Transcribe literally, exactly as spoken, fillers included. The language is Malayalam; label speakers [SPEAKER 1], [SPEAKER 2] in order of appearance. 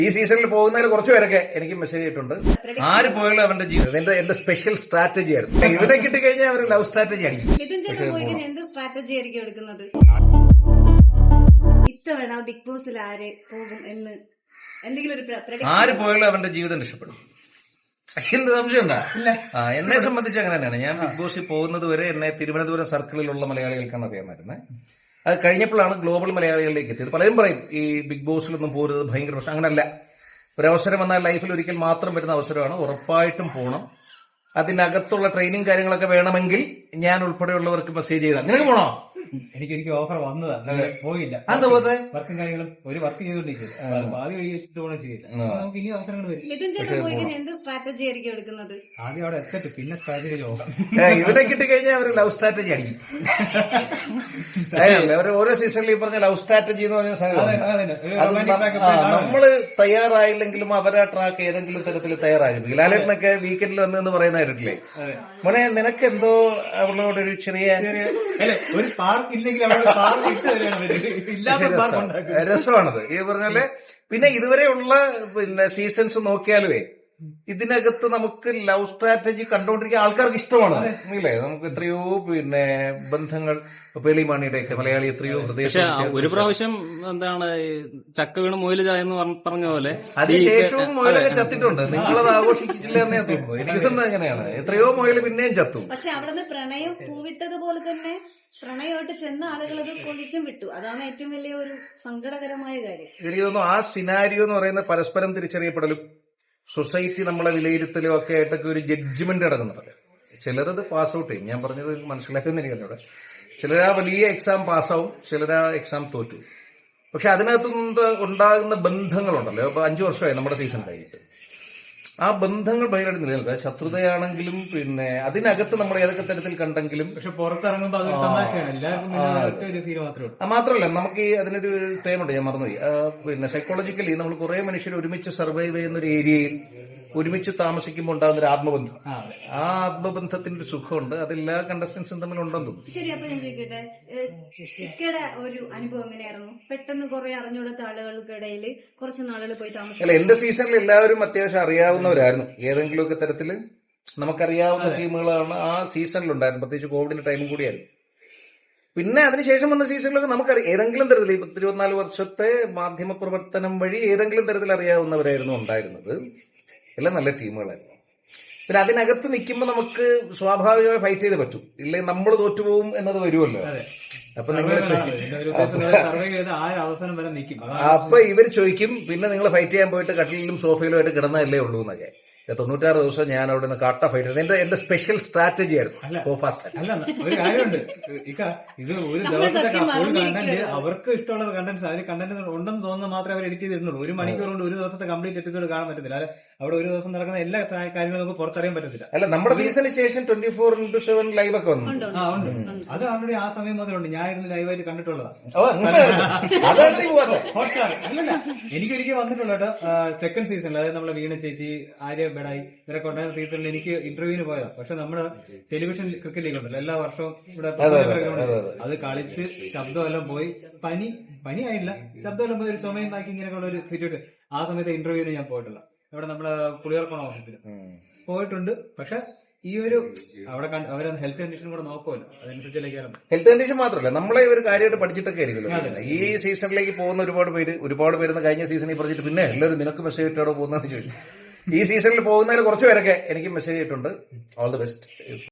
[SPEAKER 1] ഈ സീസണിൽ പോകുന്നതിൽ കുറച്ചു പേരൊക്കെ എനിക്ക് മെസ്സേജ് ചെയ്തിട്ടുണ്ട്. ആര് പോയാലും അവന്റെ ജീവിതം എന്റെ എന്റെ സ്പെഷ്യൽ സ്ട്രാറ്റജി ആയിരുന്നു. ഇവിടെ കിട്ടിക്കഴിഞ്ഞാൽ അവർ ലവ് സ്ട്രാറ്റജി ആയിരിക്കും.
[SPEAKER 2] എന്ത് സ്ട്രാറ്റജി ആയിരിക്കും എടുക്കുന്നത്? ഇത്തവണ ബിഗ് ബോസിൽ ആര് പോകും എന്ന് എന്തെങ്കിലും ഒരു
[SPEAKER 1] ആര് പോയാലും അവന്റെ ജീവിതം രക്ഷപ്പെടും. എന്ത് സംശയം ഉണ്ടാ? ആ എന്നെ സംബന്ധിച്ച് അങ്ങനെ തന്നെയാണ്. ഞാൻ ബിഗ് ബോസിൽ പോകുന്നത് വരെ എന്നെ തിരുവനന്തപുരം സർക്കിളിലുള്ള മലയാളികൾക്കാണ് അറിയാമായിരുന്നത്. അത് കഴിഞ്ഞപ്പോഴാണ് ഗ്ലോബൽ മലയാളികളിലേക്ക് എത്തിയത്. പലരും പറയും ഈ ബിഗ് ബോസിലൊന്നും പോരുന്നത് ഭയങ്കര പ്രശ്നം. അങ്ങനല്ല. ഒരവസരം വന്നാൽ ലൈഫിൽ ഒരിക്കൽ മാത്രം വരുന്ന അവസരമാണ്. ഉറപ്പായിട്ടും പോകണം. അതിനകത്തുള്ള ട്രെയിനിങ് കാര്യങ്ങളൊക്കെ വേണമെങ്കിൽ ഞാൻ ഉൾപ്പെടെയുള്ളവർക്ക് മെസ്സേജ് ചെയ്താൽ നിനക്ക് പോണോ?
[SPEAKER 3] എനിക്കൊരിക്കൽ ഓഫർ വന്നതാ, പോയില്ല.
[SPEAKER 1] എന്താ പോകത്തെ?
[SPEAKER 3] വർക്കും കാര്യങ്ങളും ഒരു വർക്ക് ചെയ്തോണ്ടിരിക്കുന്നത്. ആദ്യം കഴിച്ചിട്ട് പോകണം ചെയ്യില്ല. നമുക്ക് ഇനി അവസരങ്ങൾ വരും.
[SPEAKER 2] എന്ത് സ്ട്രാറ്റജി ആയിരിക്കും എടുക്കുന്നത്?
[SPEAKER 3] ആദ്യം അവിടെ എത്തട്ടെ, പിന്നെ സ്ട്രാറ്റജി നോക്കാം.
[SPEAKER 1] ഇവിടെ കിട്ടിക്കഴിഞ്ഞാൽ അവർ ലവ് സ്ട്രാറ്റജി ആയിരിക്കും. ഓരോ സീസണിൽ ഈ പറഞ്ഞ ലവ് സ്ട്രാറ്റജി എന്ന് പറഞ്ഞ സാധനം നമ്മള് തയ്യാറായില്ലെങ്കിലും അവരാ ട്രാക്ക് ഏതെങ്കിലും തരത്തിൽ തയ്യാറാകും. ലാലേട്ടനൊക്കെ വീക്കെൻഡിൽ വന്നെന്ന് പറയുന്ന കേട്ടില്ലേ? മോനെ നിനക്ക് എന്തോ അവളോടൊരു ചെറിയ
[SPEAKER 3] ഒരു പാർക്ക് ഇല്ലെങ്കിൽ
[SPEAKER 1] രസമാണത് ഈ പറഞ്ഞാല്. പിന്നെ ഇതുവരെയുള്ള പിന്നെ സീസൺസ് നോക്കിയാലുവേ ഇതിനകത്ത് നമുക്ക് ലവ് സ്ട്രാറ്റജി കണ്ടുകൊണ്ടിരിക്കുന്ന ആൾക്കാർക്ക് ഇഷ്ടമാണ് ഇല്ലേ? നമുക്ക് എത്രയോ പിന്നെ ബന്ധങ്ങൾ പേളിമാണിയുടെയൊക്കെ മലയാളി എത്രയോ ഹൃദയം.
[SPEAKER 4] ഒരു പ്രാവശ്യം എന്താണ് ചക്ക വീണ് മുയല് ചായെന്ന് പറഞ്ഞ പോലെ
[SPEAKER 1] അതിനുശേഷവും മുയലൊക്കെ ചത്തിട്ടുണ്ട്. നിങ്ങളത് ആഘോഷിച്ചില്ല എന്നേ തോന്നുന്നു. എനിക്ക് തോന്നുന്നത് അങ്ങനെയാണ്. എത്രയോ മുയല് പിന്നെയും ചത്തു.
[SPEAKER 2] പക്ഷെ അവിടെ പ്രണയം പൂവിട്ടതുപോലെ തന്നെ പ്രണയമായിട്ട് ചെന്ന ആളുകൾ അത് പൊളിച്ചും വിട്ടു. അതാണ് ഏറ്റവും വലിയ ഒരു സങ്കടകരമായ കാര്യം.
[SPEAKER 1] എനിക്ക് തോന്നുന്നു ആ സിനാരിയോ എന്ന് പറയുന്നത് പരസ്പരം തിരിച്ചറിയപ്പെടലും സൊസൈറ്റി നമ്മളെ വിലയിരുത്തലും ഒക്കെ ആയിട്ടൊക്കെ ഒരു ജഡ്ജ്മെന്റ് നടക്കുന്നുണ്ട്. ചിലരത് പാസ് ഔട്ട് ചെയ്യും. ഞാൻ പറഞ്ഞത് മനസ്സിലാക്കുന്ന എനിക്കല്ല. ചിലരാ വലിയ എക്സാം പാസ്സാവും, ചിലരാ എക്സാം തോറ്റു. പക്ഷെ അതിനകത്തുനിന്ന് ഉണ്ടാകുന്ന ബന്ധങ്ങളുണ്ടല്ലോ. ഇപ്പൊ അഞ്ചു വർഷമായി നമ്മുടെ സീസൺ കഴിഞ്ഞിട്ട് ആ ബന്ധങ്ങൾ ഭയങ്കരമായിട്ട് നിലനിൽക്കുക. ശത്രുതയാണെങ്കിലും പിന്നെ അതിനകത്ത് നമ്മൾ ഏതൊക്കെ തരത്തിൽ കണ്ടെങ്കിലും
[SPEAKER 3] പക്ഷെ പുറത്തിറങ്ങുമ്പോൾ അതൊരു തമാശയാണ്. എല്ലാവർക്കും ഒരു ഫീൽ മാത്രമേ ഉള്ളൂ.
[SPEAKER 1] മാത്രമല്ല നമുക്ക് ഈ അതിനൊരു ടൈമുണ്ട്, ഞാൻ മറന്നുപോയി. പിന്നെ സൈക്കോളജിക്കലി നമ്മൾ കുറെ മനുഷ്യർ ഒരുമിച്ച് സർവൈവ് ചെയ്യുന്ന ഒരു ഏരിയയിൽ ഒരുമിച്ച് താമസിക്കുമ്പോൾ ഉണ്ടാകുന്ന ഒരു ആത്മബന്ധം. ആ ആത്മബന്ധത്തിന്റെ ഒരു സുഖമുണ്ട്. അതെല്ലാ കണ്ടസ്റ്റൻസും തമ്മിൽ ഉണ്ടെന്ന് തോന്നുന്നു.
[SPEAKER 2] ശരി, അപ്പൊ ഞാൻ ചോദിക്കട്ടെ, ഇക്കയുടെ ഒരു അനുഭവം എങ്ങനെയായിരുന്നു? പെട്ടെന്ന് കുറെ അറിഞ്ഞുകൊടുത്ത ആളുകൾക്കിടയിൽ കുറച്ച് നാളുകൾ പോയി താമസിക്കും.
[SPEAKER 1] അല്ല, എന്റെ സീസണിൽ എല്ലാവരും അത്യാവശ്യം അറിയാവുന്നവരായിരുന്നു. ഏതെങ്കിലുമൊക്കെ തരത്തില് നമുക്കറിയാവുന്ന ടീമുകളാണ് ആ സീസണിലുണ്ടായിരുന്നു. പ്രത്യേകിച്ച് കോവിഡിന്റെ ടൈമും കൂടിയായിരുന്നു. പിന്നെ അതിനുശേഷം വന്ന സീസണിലൊക്കെ നമുക്കറിയാം ഏതെങ്കിലും തരത്തിൽ ഇരുപത്തിനാല് വർഷത്തെ മാധ്യമ പ്രവർത്തനം വഴി ഏതെങ്കിലും തരത്തിൽ അറിയാവുന്നവരായിരുന്നു ഉണ്ടായിരുന്നത്. എല്ലാം നല്ല ടീമുകളായിരുന്നു. പിന്നെ അതിനകത്ത് നിൽക്കുമ്പോൾ നമുക്ക് സ്വാഭാവികമായി ഫൈറ്റ് ചെയ്ത് പറ്റും. ഇല്ലെങ്കിൽ നമ്മൾ തോറ്റുപോകും എന്നത് വരുമല്ലോ. അപ്പൊ നിങ്ങൾ അപ്പൊ ഇവർ ചോദിക്കും പിന്നെ നിങ്ങൾ ഫൈറ്റ് ചെയ്യാൻ പോയിട്ട് കട്ടിലും സോഫയിലും ആയിട്ട് കിടന്നതല്ലേ ഉള്ളൂ എന്നൊക്കെ. തൊണ്ണൂറ്റാറ് ദിവസം ഞാൻ അവിടെ നിന്ന് കാട്ട ഫൈറ്റ് ചെയ്തത് എന്റെ എന്റെ സ്പെഷ്യൽ സ്ട്രാറ്റജി ആയിരുന്നു. സോ ഫാസ്റ്റ്
[SPEAKER 3] അല്ല, ഒരു കാര്യമുണ്ട് ഇക്ക, ഇത് ഒരു ദിവസത്തെ കണ്ടന്റ് അവർക്ക് ഇഷ്ടമുള്ള കണ്ടന്റ് അവർ കണ്ടന്റ് ഉണ്ടെന്ന് തോന്നുന്ന മാത്രമേ അവർ എഡിറ്റ് ചെയ്തിട്ടുള്ളൂ. ഒരു മണിക്കൂർ കൊണ്ട് ഒരു ദിവസത്തെ കംപ്ലീറ്റ് എപ്പിസോഡ് കാണാൻ പറ്റത്തില്ല. അല്ലെ, അവിടെ ഒരു ദിവസം നടക്കുന്ന എല്ലാ കാര്യങ്ങളും നമുക്ക് പുറത്തറിയാൻ പറ്റത്തില്ല.
[SPEAKER 1] അല്ല, നമ്മുടെ സീസണിന് ശേഷം twenty four into seven live ഒക്കെ വന്നു.
[SPEAKER 3] ആ ഉണ്ട്. അത് ഓൾറെഡി ആ സമയം മുതലുണ്ട്. ഞാൻ ഇരുന്ന് ലൈവായിട്ട് കണ്ടിട്ടുള്ളതാണ്. അല്ലല്ല, എനിക്കൊരിക്കൽ വന്നിട്ടുള്ള കേട്ടോ. സെക്കൻഡ് സീസണിൽ, അതായത് നമ്മളെ വീണ ചേച്ചി, ആര്യ ബെഡായി ഇവരൊക്കെ ഉണ്ടായിരുന്ന സീസണിൽ എനിക്ക് ഇന്റർവ്യൂവിന് പോയതാണ്. പക്ഷെ നമ്മുടെ ടെലിവിഷൻ ക്രിക്കറ്റ് ലീഗ് ഉണ്ടല്ലോ, എല്ലാ വർഷവും ഇവിടെ അത് കളിച്ച് ശബ്ദമെല്ലാം പോയി. പനി പനി ആയില്ല, ശബ്ദമെല്ലാം പോയി. ഒരു ചുമയും ബാക്കി ഇങ്ങനെയൊക്കെ ഉള്ള ഒരു സിറ്റുവേഷൻ. ആ സമയത്ത് ഇന്റർവ്യൂവിന് ഞാൻ പോയിട്ടില്ല. ഇവിടെ നമ്മുടെ പുളിയർക്കോണ ഓഫീസിൽ പോയിട്ടുണ്ട്. പക്ഷെ ഈ ഒരു അവിടെ അവരെ ഹെൽത്ത് കണ്ടീഷൻ കൂടെ നോക്കുമല്ലോ, അതനുസരിച്ചിലേക്കാണ്.
[SPEAKER 1] ഹെൽത്ത് കണ്ടീഷൻ മാത്രമല്ല, നമ്മളെ ഒരു കാര്യമായിട്ട് പഠിച്ചിട്ടൊക്കെ ആയിരിക്കും. ഈ സീസണിലേക്ക് പോകുന്ന ഒരുപാട് പേര് ഒരുപാട് പേരുന്ന കഴിഞ്ഞ സീസണിൽ പറഞ്ഞിട്ട് പിന്നെ എല്ലാവരും നിനക്ക് മെസ്സേജ് ഇട്ടാണോ പോകുന്നതെന്ന് ചോദിച്ചു. ഈ സീസണിൽ പോകുന്നതിൽ കുറച്ചു പേരൊക്കെ എനിക്ക് മെസ്സേജ് ചെയ്തിട്ടുണ്ട്. All the best.